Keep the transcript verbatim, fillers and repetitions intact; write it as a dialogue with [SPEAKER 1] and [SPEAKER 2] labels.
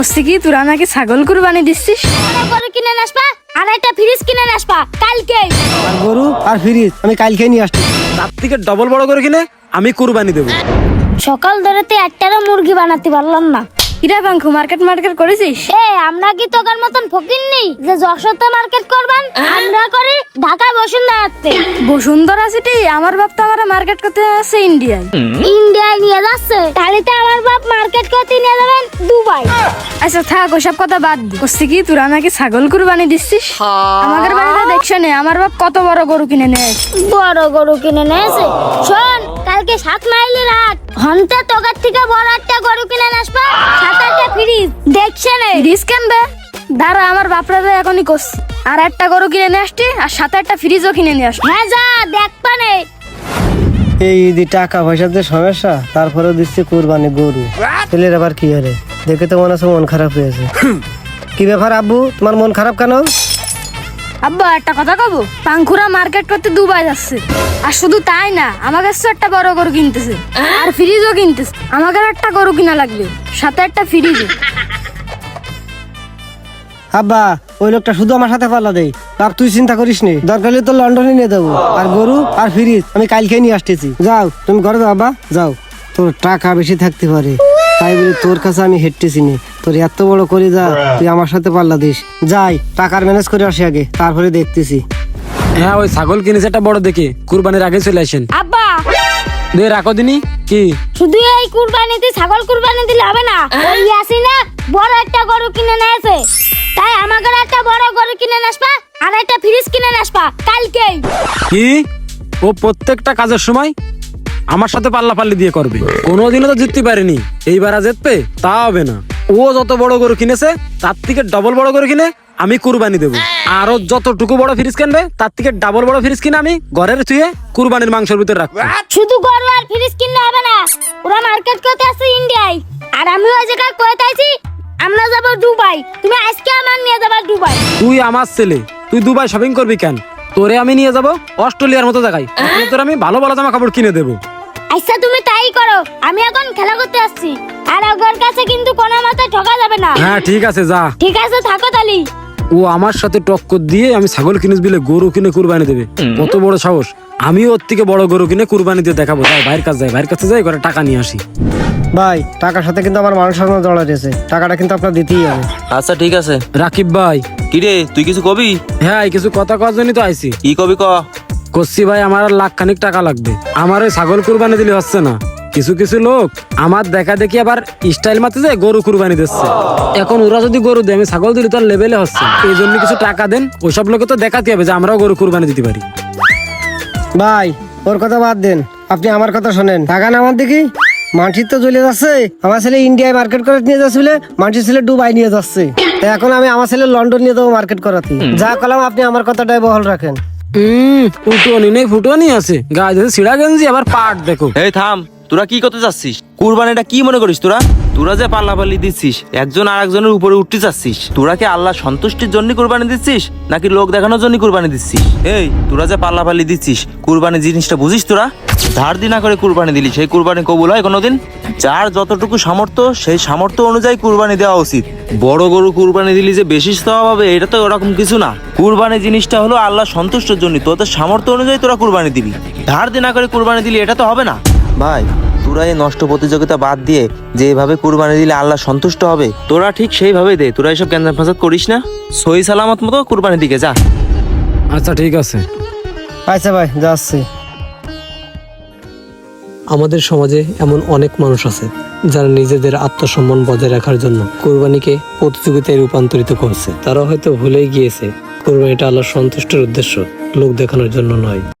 [SPEAKER 1] কি তোরা নাকি ছাগল কুরবানি দিচ্ছিস?
[SPEAKER 2] গরু কিনে আসবা আর একটা ফ্রিজ কিনে আসবা কালকে।
[SPEAKER 3] আর গরু আর ফ্রিজ আমি কালকে নিয়ে আসছি।
[SPEAKER 4] তার থেকে ডবল বড় করে কিনে আমি কুরবানি দেবো।
[SPEAKER 2] সকাল ধরে তো একটারও মুরগি বানাতে পারলাম না।
[SPEAKER 1] কিরা বাঙ্কু মার্কেট মার্কেট করেছিস?
[SPEAKER 2] এ আমরা কি তোকার মতন ফকির নেই যে যশোরতে মার্কেট করবেন? আমরা করি ঢাকায় বসুন্ধরাতে।
[SPEAKER 1] বসুন্ধরা সিটি আমার বাপ তো আমার মার্কেট করতে আছে ইন্ডিয়ায়।
[SPEAKER 2] ইন্ডিয়ায় নিয়ে যাচ্ছে, তাহলে তো আমার বাপ মার্কেট করতে নিয়ে যাবেন দুবাই।
[SPEAKER 1] আচ্ছা থাক ওসব কথা বাদ দি। বলছি কি তোরা নাকি ছাগল কুরবানি দিচ্ছিস? আমাদের বাড়িতে দেখছো না আমার বাপ কত বড় গরু কিনে নেয়।
[SPEAKER 2] বড় গরু কিনে নিয়েছে। শোন, কালকে সাত মাইলের হাট ঘন্টা তোকার থেকে বড় একটা গরু কিনে আসবা, সাত আটটা ফ্রিজ দেখছে না।
[SPEAKER 1] ফ্রিজ কিনবে? দাঁড়া আমার বাপরা তো এখনই করছি। আর একটা গরু কিনে নিয়ে আসছি আর সাথে একটা ফ্রিজও কিনে নিয়ে আসছি।
[SPEAKER 2] হ্যাঁ যা দেখবা নে।
[SPEAKER 3] এই ঈদে টাকা পয়সার যে সমস্যা, তারপরে দিচ্ছে কুরবানি গরু। ছেলের আবার কি হরে দেখে তো মনে হচ্ছে মন খারাপ হয়েছে। কি ব্যাপার আব্বু, তোমার মন খারাপ কেন?
[SPEAKER 1] আব্বা একটা কথা কব, পাঙ্কুরা মার্কেট করতে দুবাই যাচ্ছে। আর শুধু তাই না, আমার কাছে একটা বড় গরু কিনতেছে আর ফ্রিজও কিনতেছে। আমাকে একটা গরু কিনা লাগবে, সাথে একটা ফ্রিজও।
[SPEAKER 3] আব্বা ওই লোকটা শুধু আমার সাথে পাল্লা দেয়। বাপ তুই চিন্তা করিস নি, দরকার হলে তো লন্ডনে নিয়ে দেবো। আর গরু আর ফ্রিজ আমি কালকে নিয়ে আসতেছি। যাও তুমি ঘরে যাও আব্বা, যাও। তোর টাকা বেশি থাকতে পারে তাই বলে তোর কাছে আমি হেঁটতেছি নি। তোর এত বড় করে যা, তুই আমার সাথে পাল্লা দিস। যাই টাকার ম্যানেজ করে আসি আগে, তারপরে দেখতেছি।
[SPEAKER 4] হ্যাঁ ওই ছাগল কিনেছে একটা বড় দেখে, কুরবানির আগে চলে আসেন।
[SPEAKER 2] আব্বা
[SPEAKER 4] দে রাখো দিনি কি
[SPEAKER 2] শুধু এই কুরবানিতে ছাগল কুরবানি দিলে হবে না। ওই আসি না বড় একটা গরু কিনে নিয়েছে, তাই আমাকে একটা বড় গরু কিনে আসবা আর একটা ফ্রিজ কিনে আসবা কালকে।
[SPEAKER 4] কি ও প্রত্যেকটা কাজের সময় আমার সাথে পাল্লা পাল্লি দিয়ে করবে? কোনোদিনও তো জিততে পারেনি, এইবার আর জিতবে তা হবে না। ও যত বড় গরু কিনেছে তার থেকে ডবল বড় গরু কিনে আমি কুরবানি দেবো। আরো যতটুকু বড় ফ্রিজ কিনবে তার থেকে ডাবল বড় ফ্রিজ কিনে আমি ঘরের থুয়ে কুরবানির মাংসের ভিতরে রাখবো।
[SPEAKER 2] শুধু গরু আর ফ্রিজ কিনলে হবে না, ওরা মার্কেট করতে আছে ইন্ডিয়ায় আর আমি ওই জায়গায় কইতে আইছি আমরা যাব দুবাই। তুমি আজকে আমার নিয়ে যাবা দুবাই।
[SPEAKER 4] তুই আমার ছেলে, তুই দুবাই শপিং করবি কেন? তোরে আমি নিয়ে যাবো অস্ট্রেলিয়ার মতো জায়গায়, তোর আমি ভালো ভালো জামা কাপড় কিনে দেবো।
[SPEAKER 2] আচ্ছা তুমি তাই করো, আমি এখন খেলা করতে আসছি। আর ওর কাছে কিন্তু কোনো মতে ঠকা যাবে না।
[SPEAKER 4] হ্যাঁ ঠিক আছে যা।
[SPEAKER 2] ঠিক আছে থাকো তালি।
[SPEAKER 4] ও আমার সাথে টক্কর দিয়ে আমি ছাগল কিনে বিলে গরু কিনে কুরবানি দেবে, কত বড় সাহস! আমি ওর থেকে বড় গরু কিনে কুরবানি দিয়ে দেখাবো। যাই ভাইয়ের কাছে যাই, ভাইয়ের কাছে যাই করে টাকা নিয়ে আসি।
[SPEAKER 3] ভাই টাকার সাথে কিন্তু আমার মানুষ সঙ্গে জড়া রয়েছে, টাকাটা কিন্তু আপনার দিতেই হবে।
[SPEAKER 5] আচ্ছা ঠিক আছে।
[SPEAKER 4] রাকিব ভাই।
[SPEAKER 5] কিরে তুই কিছু কবি?
[SPEAKER 4] হ্যাঁ কিছু কথা কওয়ার জন্যই তো আইছি।
[SPEAKER 5] কি কবি ক?
[SPEAKER 4] কচ্ছি ভাই আমার আর লাখ খানিক টাকা লাগবে। আমার ওই ছাগল কুরবানি দিলে হচ্ছে না। কিছু কিছু লোক আমার দেখা দেখি আবার স্টাইল মারতে যায় গরু কুরবানি দিচ্ছে। এখন ওরা যদি গরু দেয় আমি ছাগল দিলে তো আর লেভেলে হচ্ছে। এই জন্য কিছু টাকা দেন, ওইসব লোকে তো দেখাতে হবে যে আমরাও গরু কুরবানি দিতে পারি।
[SPEAKER 3] ভাই ওর কথা বাদ দেন, আপনি আমার কথা শোনেন। টাকা না আমার দেখি মানসির তো চলে যাচ্ছে। আমার ছেলে ইন্ডিয়ায় মার্কেট করে নিয়ে যাচ্ছে বলে মানসির ছেলে দুবাই নিয়ে যাচ্ছে। তো এখন আমি আমার ছেলে লন্ডন নিয়ে যাবো মার্কেট করাতে। যা কলাম আপনি আমার কথাটাই বহাল রাখেন।
[SPEAKER 4] হম উঠোনি নেই ফুটোনি আছে, গায়ে দিয়েছে ছিড়া গেঞ্জি, আবার পাট দেখো।
[SPEAKER 5] এই থাম, তোরা কি করতে যাচ্ছিস? কুরবানিটা কি মনে করিস তোরা? তোরা যে পাল্লাপাল্লি দিচ্ছিস, একজন আর একজনের উপরে উঠতে যাচ্ছিস। তোরা কি আল্লাহ সন্তুষ্টির জন্য কুরবানি দিচ্ছিস নাকি লোক দেখানোর জন্য কুরবানি দিচ্ছিস? এই তোরা যে পাল্লাপাল্লি দিচ্ছিস, কুরবানি জিনিসটা বুঝিস তোরা? ধার দিনা করে কুরবানি দিলি, সেই কুরবানি কবুল হয় কোনোদিন? যার যতটুকু সামর্থ্য সেই সামর্থ্য অনুযায়ী কুরবানি দেওয়া উচিত। বড় গরু কুরবানি দিলি যে বেশি সওয়াব হবে এটা তো ওরকম কিছু না। কুরবানি জিনিসটা হলো আল্লাহ সন্তুষ্টের জন্য, তোদের সামর্থ্য অনুযায়ী তোরা কুরবানি দিবি। ধার দিনা করে কুরবানি দিলি এটা তো হবে না। ভাই তোরা এই নষ্ট প্রতিযোগিতা বাদ দিয়ে যেভাবে কুরবানি দিলে আল্লাহ সন্তুষ্ট হবে তোরা ঠিক সেইভাবে দে। তোরা এসব গ্যাঞ্জাম ফাসাদ করিস না, সহি সালামত মতো কুরবানি দিকে যা।
[SPEAKER 4] আচ্ছা ঠিক আছে।
[SPEAKER 3] আচ্ছা ভাই যাচ্ছি।
[SPEAKER 6] আমাদের সমাজে এমন অনেক মানুষ আছে যারা নিজেদের আত্মসম্মান বজায় রাখার জন্য কোরবানিকে প্রতিযোগিতায় রূপান্তরিত করছে। তারা হয়তো ভুলেই গিয়েছে কোরবানিটা আল্লাহর সন্তুষ্টির উদ্দেশ্য, লোক দেখানোর জন্য নয়।